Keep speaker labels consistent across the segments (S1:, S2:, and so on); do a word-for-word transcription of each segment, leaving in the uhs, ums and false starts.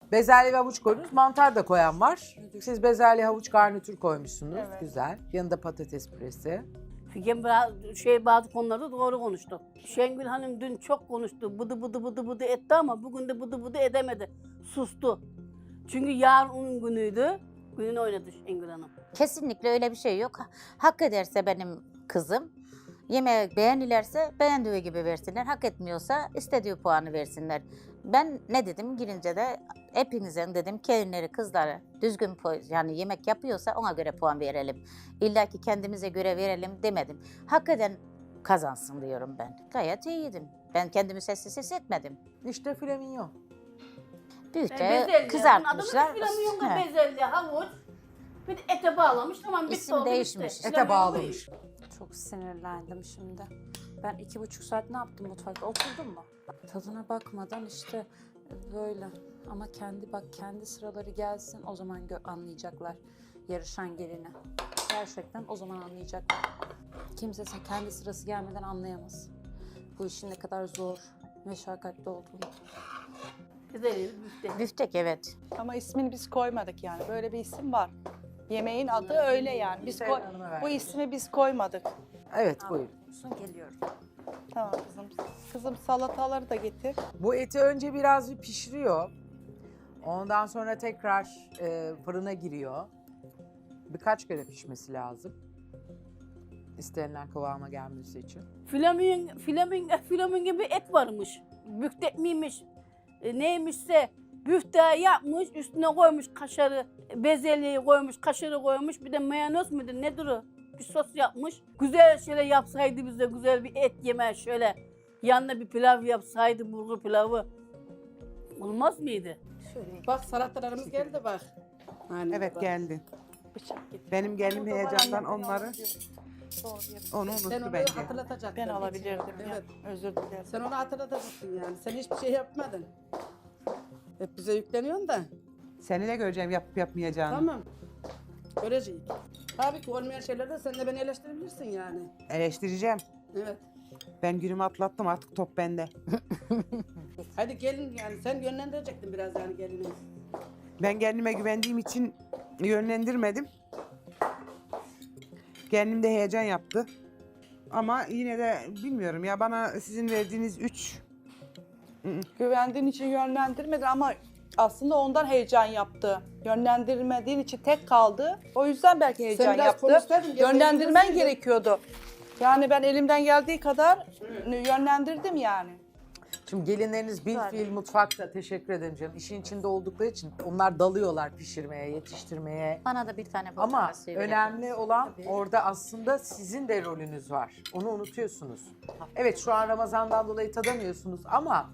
S1: Bezelye ve havuç koydunuz. Mantar da koyan var. Siz bezelye havuç garnitür koymuşsunuz.
S2: Evet.
S1: Güzel. Yanında patates püresi.
S3: Figen biraz şey bazı konularda doğru konuştu. Şengül Hanım dün çok konuştu. Bıdı bıdı bıdı bıdı etti ama bugün de bıdı bıdı edemedi. Sustu. Çünkü yarın onun günüydü. Gününü oynadı Şengül Hanım.
S4: Kesinlikle öyle bir şey yok. Hak ederse benim kızım, yemeği beğenirlerse beğendiği gibi versinler. Hak etmiyorsa istediği puanı versinler. Ben ne dedim girince de hepinizin dedim gelinleri kızları düzgün yani yemek yapıyorsa ona göre puan verelim. İlla ki kendimize göre verelim demedim. Hak eden kazansın diyorum ben. Gayet iyiydim. Ben kendimi sessiz hissetmedim.
S1: İşte flamingon.
S4: Büyükçe
S3: Bezelye.
S4: kızartmışlar.
S3: Adamın filamingo
S4: He.
S3: bezelye, havuç. Bir de ete bağlamış. Tamam bitti
S4: İsim
S3: oldu, bitti.
S4: değişmiş.
S1: Ete
S3: Filamingo
S1: bağlamış.
S2: Çok sinirlendim şimdi. Ben iki buçuk saat ne yaptım mutfakta? Oturdum mu? Tadına bakmadan işte böyle. Ama kendi bak kendi sıraları gelsin o zaman gö- anlayacaklar yarışan gelini. Gerçekten o zaman anlayacaklar. Kimse sen- kendi sırası gelmeden anlayamaz. Bu işin ne kadar zor, meşakkatli olduğunu.
S3: Bezelye, büfte.
S4: Büftek evet.
S5: Ama ismini biz koymadık yani. Böyle bir isim var. Yemeğin adı öyle yani. Biz koy- bu ismi biz koymadık.
S1: Evet buyurun.
S2: Son geliyorum.
S5: Tamam kızım. Kızım salataları da getir.
S1: Bu eti önce biraz bir pişiriyor. Ondan sonra tekrar e, fırına giriyor. Birkaç kere pişmesi lazım. İstenilen kıvama gelmesi için.
S3: Flamingo, flamingo, flamingo bir et varmış. Büftek miymiş, e, neymişse büfte yapmış, üstüne koymuş kaşarı, bezelyeyi koymuş, kaşarı koymuş, bir de mayonez müdür nedir o? Bir sos yapmış. Güzel şöyle yapsaydı bize güzel bir et yemeği şöyle. Yanına bir pilav yapsaydı, bulgur pilavı. Olmaz mıydı?
S6: Bak salatalarımız geldi bak. Hani
S7: Evet
S6: bak.
S7: geldi.
S5: Bıçak getir.
S7: Benim gelinim
S5: Burada var
S7: heyecandan
S5: annem, ben
S7: onları
S5: alıyorum. Doğru yapayım.
S7: onu
S6: Sen
S7: unuttu
S6: onu
S7: bence.
S6: hatırlatacaktın.
S5: Ben alabilirdim
S6: Evet.
S5: ya. Özür dilerim.
S6: Sen onu hatırlatacaksın yani. Sen hiçbir şey yapmadın. Hep bize yükleniyorsun da.
S7: Seni de göreceğim yapıp yapmayacağını.
S6: Tamam. Göreceğiz. Tabii ki olmayan şeylerde sen de beni eleştirebilirsin yani.
S7: Eleştireceğim.
S6: Evet.
S7: Ben günümü atlattım artık top bende.
S6: Hadi gelin yani sen yönlendirecektin biraz yani gelini.
S7: Ben kendime güvendiğim için yönlendirmedim. Kendim de heyecan yaptı. Ama yine de bilmiyorum ya bana sizin verdiğiniz üç
S5: Güvendiğin için yönlendirmedin ama aslında ondan heyecan yaptı. Yönlendirmediğin için tek kaldı. O yüzden belki heyecan
S6: biraz
S5: yaptı.
S6: konuşsaydın, gene
S5: Yönlendirmen
S6: bilirsin.
S5: gerekiyordu. Yani ben elimden geldiği kadar yönlendirdim yani.
S1: Şimdi gelinleriniz bil fiil mutfakta, teşekkür ederim canım. İşin içinde oldukları için onlar dalıyorlar pişirmeye, yetiştirmeye.
S4: Bana da bir tane
S1: Ama
S4: portakal suyu verebilir
S1: önemli
S4: misiniz?
S1: olan orada aslında sizin de rolünüz var. Onu unutuyorsunuz. Evet şu an Ramazan'dan dolayı tadamıyorsunuz ama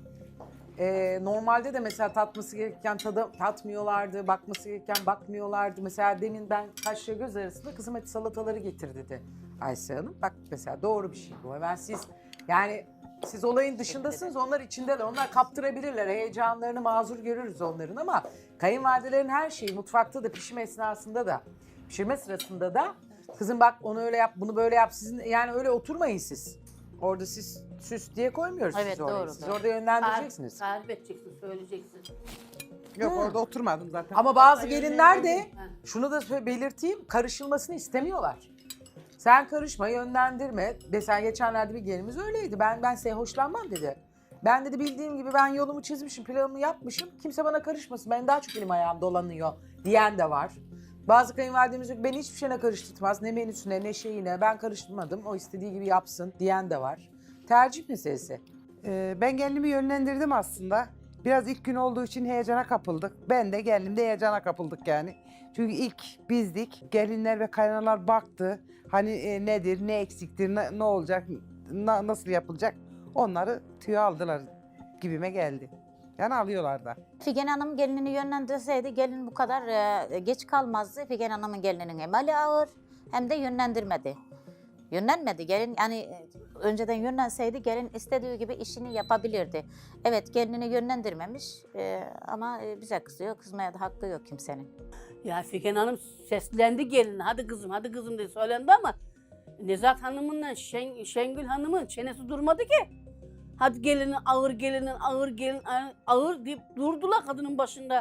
S1: e, normalde de mesela tatması gereken tada, tatmıyorlardı, bakması gereken bakmıyorlardı. Mesela demin ben kaşla göz arasında kızım hadi salataları getir dedi Aysel Hanım. Bak mesela doğru bir şey bu. Hemen siz yani siz olayın dışındasınız, onlar içindeler. Onlar kaptırabilirler, heyecanlarını mazur görürüz onların ama kayınvalidelerin her şeyi mutfakta da pişme esnasında da pişirme sırasında da kızım bak onu öyle yap, bunu böyle yap. Sizin yani öyle oturmayın siz. Orada siz süs diye koymuyoruz
S4: Evet,
S1: sizi oraya.
S4: doğru,
S1: Siz
S4: doğru.
S1: orada yönlendireceksiniz.
S3: Tarif edeceksin, söyleyeceksin.
S7: yok orada oturmadım zaten.
S1: Ama bazı gelinler de şunu da sö- belirteyim, karışılmasını istemiyorlar. Sen karışma, yönlendirme. Mesela geçenlerde bir gelinimiz öyleydi. Ben ben size hoşlanmam dedi. Ben dedi bildiğim gibi ben yolumu çizmişim, planımı yapmışım. Kimse bana karışmasın. Ben daha çok elim ayağım dolanıyor diyen de var. Bazı kayınvalidemiz yok, beni hiçbir şeyine karıştırmaz. Ne menüsüne ne şeyine ben karıştırmadım. O istediği gibi yapsın diyen de var. Tercih meselesi.
S7: Ee, ben kendimi yönlendirdim aslında. Biraz ilk gün olduğu için heyecana kapıldık. Ben de kendim de heyecana kapıldık yani. Çünkü ilk bizdik. Gelinler ve kaynanalar baktı. Hani e, nedir, ne eksiktir, ne, ne olacak, na- nasıl yapılacak. Onları tüyo aldılar gibime geldi. Yani alıyorlar da.
S4: Figen Hanım gelinini yönlendirseydi gelin bu kadar e, geç kalmazdı. Figen Hanım'ın gelininin hem ali ağır hem de yönlendirmedi. Yönlenmedi gelin yani e, önceden yönlenseydi gelin istediği gibi işini yapabilirdi. Evet gelinini yönlendirmemiş e, ama e, bize kızıyor. Kızmaya da hakkı yok kimsenin.
S3: Ya Figen Hanım seslendi gelin. Hadi kızım, hadi kızım diye söylendi ama Nezahat Hanım'ınla Şen, Şengül Hanım'ın çenesi durmadı ki. Hadi gelinin ağır, gelinin ağır, gelin ağır, ağır deyip durdular kadının başında.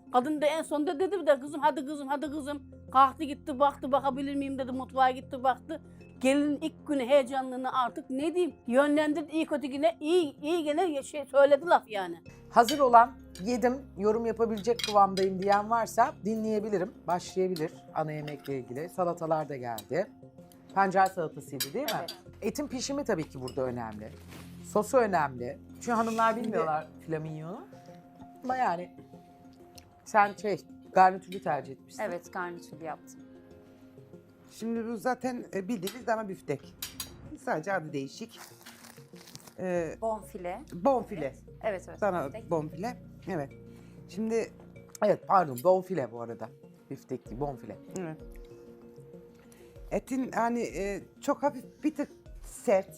S3: Kadın da en sonunda dedi de kızım hadi kızım hadi kızım. Kalktı gitti baktı bakabilir miyim dedi mutfağa gitti baktı. Gelinin ilk günü heyecanlığını artık ne diyeyim yönlendirdi iyi kötü yine iyi iyi gene şey söyledi laf yani.
S1: Hazır olan yedim, yorum yapabilecek kıvamdayım diyen varsa dinleyebilirim. Başlayabilir ana yemekle ilgili. Salatalar da geldi. Pancar salatasıydı değil mi?
S2: Evet.
S1: Etin pişimi tabii ki burada önemli. Sosu önemli. Çünkü hanımlar bilmiyorlar flamingonu. Ama yani sen şey garnitürlü tercih etmişsin.
S2: Evet, garnitürlü yaptım.
S7: Şimdi bu zaten e, bildiğiniz dana büftek. Sadece adı değişik. Ee,
S2: Bonfile.
S7: bonfile.
S2: Evet evet.
S7: Dana
S2: biftek.
S7: bonfile. Evet. Şimdi
S1: Evet pardon bonfile bu arada. Biftek değil bonfile.
S7: evet. Etin hani e, çok hafif bir tık sert.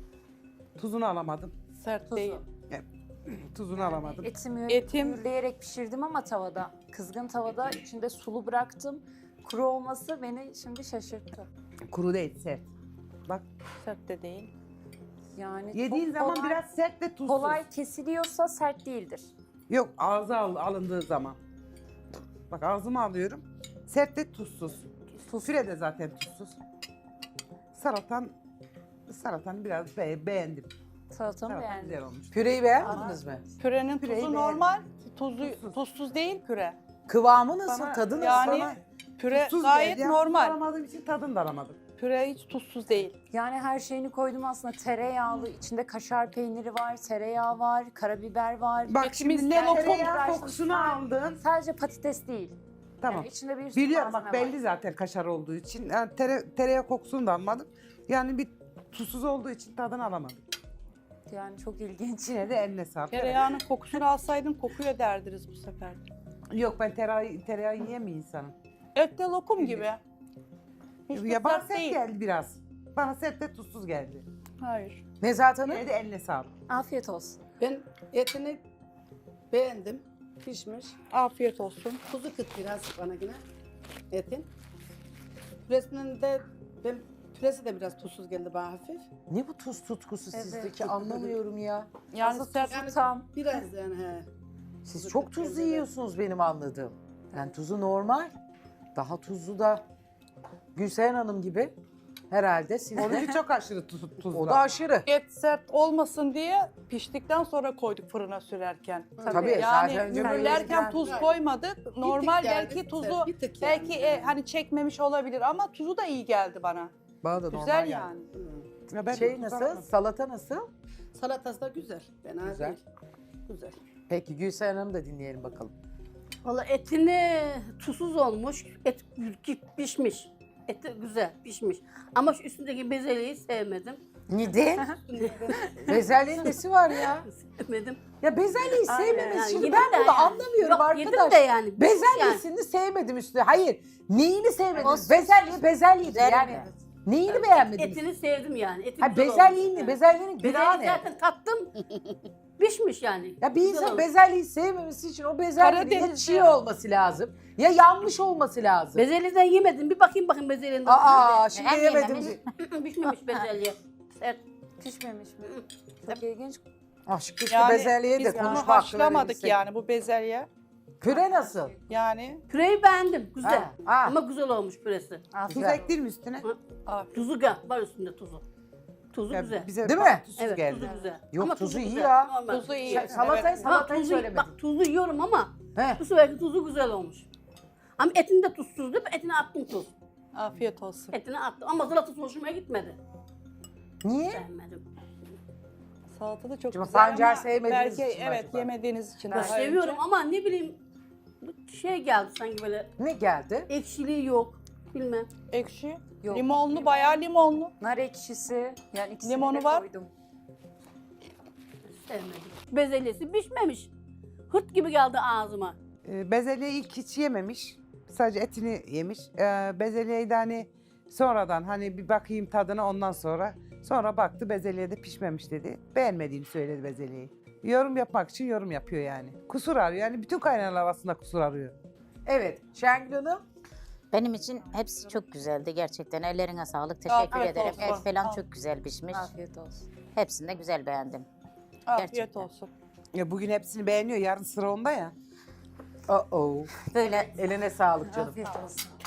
S7: Tuzunu alamadım.
S5: Sert
S2: Tuzu.
S5: değil.
S7: Tuzunu alamadım.
S2: Etimi
S5: Etim-
S2: mühürleyerek pişirdim ama tavada. Kızgın tavada içinde sulu bıraktım. Kuru olması beni şimdi şaşırttı.
S7: Kuru değil sert. Bak
S5: Sert de değil.
S2: Yani
S7: yediğin
S2: çok
S7: zaman
S2: kolay,
S7: biraz sert ve tuzsuz.
S2: kolay kesiliyorsa sert değildir.
S7: Yok ağza al, alındığı zaman. Bak ağzıma alıyorum. Sert ve tuzsuz. Füre de zaten tuzsuz. Salatan salatan biraz be- beğendim.
S2: Salatamı
S7: Salatan
S2: beğendim.
S7: güzel olmuş.
S1: Püreyi beğenmediniz mi?
S5: Pürenin
S7: Püreyi
S5: tuzu
S7: beğendim.
S5: normal, tuzu tuzsuz değil püre.
S1: Kıvamı nasıl?
S7: Bana-
S1: Tadı nasıl?
S5: Yani
S7: Bana
S5: püre
S7: tuzsuz
S5: gayet
S7: geldi.
S5: normal.
S7: Alamadığım için tadını da alamadım.
S5: Püre hiç tuzsuz değil.
S2: Yani her şeyini koydum aslında. Tereyağlı, içinde kaşar peyniri var, tereyağı var, karabiber var.
S7: Bak
S5: Etimiz
S7: şimdi
S5: ne
S7: ne
S5: lokum
S7: tereyağı
S2: uğraşmış.
S7: kokusunu aldın.
S2: Sadece patates değil.
S7: Tamam.
S2: Yani içinde bir sürü
S7: Biliyorum bak
S2: malzeme
S7: belli
S2: var.
S7: zaten kaşar olduğu için. Yani tere, tereyağı kokusunu da almadım. Yani bir tuzsuz olduğu için tadını alamadım.
S2: Yani çok ilginç.
S7: Yine de eline sağlık.
S5: Tereyağının kokusunu alsaydın kokuyor derdiniz bu sefer.
S7: Yok ben tereyağı, tereyağı yiyen bir insanım.
S5: Et de lokum gibi. Hiç de
S7: Ya bana
S5: sert
S7: sert
S5: değil.
S7: geldi biraz. Bana sert ve tuzsuz geldi.
S5: Hayır.
S1: Nezahat Hanım?
S7: Yine de eline sağlık.
S2: Afiyet olsun.
S6: Ben etini beğendim. Pişmiş.
S5: Afiyet olsun.
S6: Tuzu kıt biraz bana yine etin. Püresinin de ben püresi de biraz tuzsuz geldi bana hafif.
S1: Ne bu tuz tutkusu
S2: Evet.
S1: sizdeki anlamıyorum ya.
S5: Yani
S2: Azı
S5: sert
S2: tuzu tam.
S6: Biraz yani he.
S1: Siz
S6: Tuzu
S1: çok
S6: kıt
S1: tuzlu
S6: geldi.
S1: yiyorsunuz benim anladığım. Yani tuzu normal. Daha tuzlu da Gülseren Hanım gibi herhalde siz de.
S7: Onunki çok aşırı tuz, tuzlu.
S1: O da aşırı.
S5: et sert olmasın diye piştikten sonra koyduk fırına sürerken.
S1: Tabii,
S5: Yani
S1: zaten önce
S5: mühürlerken
S1: mühürlerken-
S5: tuz koymadık. Normal
S6: yani,
S5: belki
S6: bir tık
S5: tuzu
S6: sert, bir tık yani.
S5: belki e, hani çekmemiş olabilir ama tuzu da iyi geldi bana.
S1: Bana da normal
S5: Güzel
S1: geldi.
S5: yani.
S7: Ya ben
S1: Şey
S7: tuz
S1: nasıl?
S7: alamadım.
S1: Salata nasıl?
S6: Salatası da güzel. Fena
S1: Güzel.
S6: değil. Güzel.
S1: Peki Gülseren Hanım da dinleyelim bakalım.
S3: Valla etini tuzsuz olmuş, et pişmiş. Eti güzel pişmiş. Ama şu üstündeki bezelyeyi sevmedim.
S1: Neden? Bezelyenin nesi var ya?
S3: Sevmedim.
S1: Ya bezelyeyi
S3: Aynen,
S1: sevmemiz
S3: yani
S1: şimdi
S3: yedim
S1: ben
S3: de
S1: bunu
S3: yani.
S1: anlamıyorum
S3: Yok,
S1: arkadaş.
S3: yedim de yani. yani.
S1: Bezelyesini sevmedim üstüne. Hayır. Neyini sevmediniz?
S4: sos-
S1: Bezelye bezelyedir
S4: Güzel
S1: yani.
S4: mi?
S1: Neyini beğenmediniz?
S3: Etini sevdim yani. Eti
S1: Ha
S3: güzel
S1: bezelyeyi
S3: olmuş
S1: ne?
S3: yani.
S1: Bezelyenin günahı
S3: Bezelyeyi
S1: ne?
S3: zaten tattım. Pişmiş yani.
S1: Ya bir
S3: Güzel
S1: insan
S3: olmuş.
S1: bezelyeyi sevmemesi için o bezelyenin ya
S5: Karadeniz
S1: çiğ
S5: ya.
S1: olması lazım ya yanmış olması lazım.
S3: Bezelyeden yemedim. Bir bakayım bakayım bezelyeden.
S1: Aa şimdi
S4: Hem
S1: yemedim.
S4: yememiş.
S3: Pişmemiş bezelye. Sert.
S2: Pişmemiş mi? Çok ilginç.
S1: Aşk işte
S5: Yani
S1: bezelyeye de
S5: biz
S1: konuşma
S5: bunu
S1: hakkı
S5: haşlamadık
S1: verebilsek.
S5: yani bu bezelye.
S1: Püre nasıl?
S5: Yani
S3: Püreyi beğendim. Güzel.
S1: Ha, ha.
S3: Ama güzel olmuş püresi.
S7: Tuz
S1: Güzel.
S7: ektir mi üstüne?
S5: afiyet.
S3: Tuzu gel. Var üstünde tuzu. Tuzu
S7: Ya
S3: güzel.
S7: bize
S1: Değil
S7: bak,
S1: mi?
S7: Tuzsuz
S3: Evet
S7: geldi.
S3: tuzu güzel.
S1: Yok,
S3: Ama
S1: tuzu iyi
S3: güzel,
S1: ya.
S3: normal.
S5: Tuzu iyi.
S1: Şey, salatayı
S5: Evet.
S3: Ama
S1: salatayı
S3: tuzu,
S1: söylemedim.
S3: bak tuzlu yiyorum ama
S1: He.
S3: bu seferki tuzu güzel olmuş. Ama etin de tuzsuz değil mi? Etine attım tuz.
S5: Afiyet olsun.
S3: Etine attım ama salatası hoşuma gitmedi.
S1: Niye?
S3: Beğenmedim.
S5: Salata da çok
S1: Şimdi
S5: güzel
S1: pancar
S5: ama
S1: sevmediğiniz
S5: belki
S1: için mi
S5: evet
S1: acaba?
S5: yemediğiniz için.
S3: Ben
S5: daha önce.
S3: seviyorum ama ne bileyim bu şey geldi sanki böyle
S1: Ne geldi?
S3: ekşiliği yok. Bilmem.
S5: Ekşi.
S2: Yok.
S5: Limonlu, bayağı limonlu.
S2: Nar ekşisi. Yani ikisini
S5: Limonu
S2: de
S5: var.
S2: koydum.
S3: Sevmedim. Bezelyesi pişmemiş. Hırt gibi geldi ağzıma.
S7: Ee, bezelyeyi ilk hiç yememiş. Sadece etini yemiş. Ee, bezelyeyi de hani sonradan hani bir bakayım tadına ondan sonra. Sonra baktı bezelye de pişmemiş dedi. Beğenmediğini söyledi bezelyeyi. Yorum yapmak için yorum yapıyor yani. Kusur arıyor. Yani bütün kaynanalar aslında kusur arıyor.
S1: Evet Şengül Hanım.
S4: Benim için hepsi çok güzeldi gerçekten. Ellerine sağlık. Teşekkür
S5: Afiyet
S4: ederim.
S5: olsun.
S4: Et falan
S5: Al.
S4: çok güzel pişmiş.
S2: Afiyet olsun.
S4: Hepsini de güzel beğendim.
S5: Afiyet
S4: Gerçekten.
S5: olsun.
S7: Ya bugün hepsini beğeniyor. Yarın sıra onda ya.
S1: Uh-oh.
S4: Böyle
S1: Eline sağlık canım.
S4: afiyet olsun.